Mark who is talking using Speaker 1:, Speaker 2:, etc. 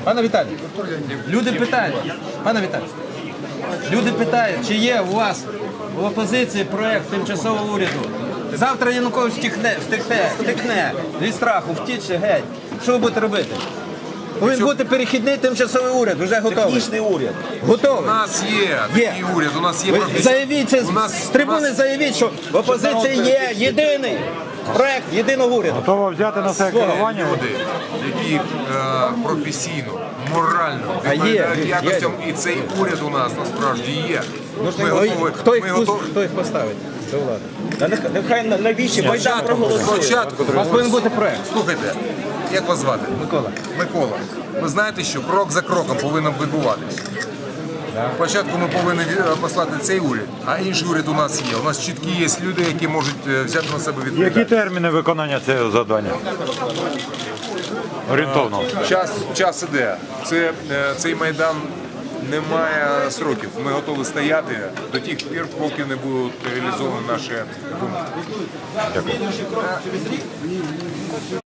Speaker 1: Пане Віталій, люди питають, пане Віталій, люди питають, чи є у вас в опозиції проєкт тимчасового уряду. Завтра Янукович втекне від страху, втіче геть. Що ви будете робити? Повинен бути перехідний тимчасовий уряд, вже готовий.
Speaker 2: Технічний уряд.
Speaker 1: Готовий.
Speaker 3: У нас є такий уряд, у нас є професійний.
Speaker 1: Заявіть це, з трибуни заявіть, що в опозиції є єдиний проєкт єдиного уряду.
Speaker 4: Готова взяти на себе керування?
Speaker 3: Люди, які професійно, морально
Speaker 1: є,
Speaker 3: відповідають
Speaker 1: є.
Speaker 3: якостям, і цей уряд у нас насправді є.
Speaker 1: Хто їх поставить? Це влада.
Speaker 2: Нехай навіщо Майдан проголосує.
Speaker 3: Спочатку,
Speaker 1: У вас повинен бути проєкт.
Speaker 3: слухайте, як вас звати?
Speaker 1: Микола.
Speaker 3: Микола. Ви знаєте, що крок за кроком повинен відбуватися. Спочатку ми повинні послати цей уряд, а інший уряд у нас є. У нас чіткі є люди, які можуть взяти на себе
Speaker 4: Які
Speaker 3: відповідальність.
Speaker 4: терміни виконання цього завдання? Орієнтовно.
Speaker 3: Час іде. Цей Майдан не має сроків. Ми готові стояти до тих пір, поки не будуть реалізовані наші вимоги.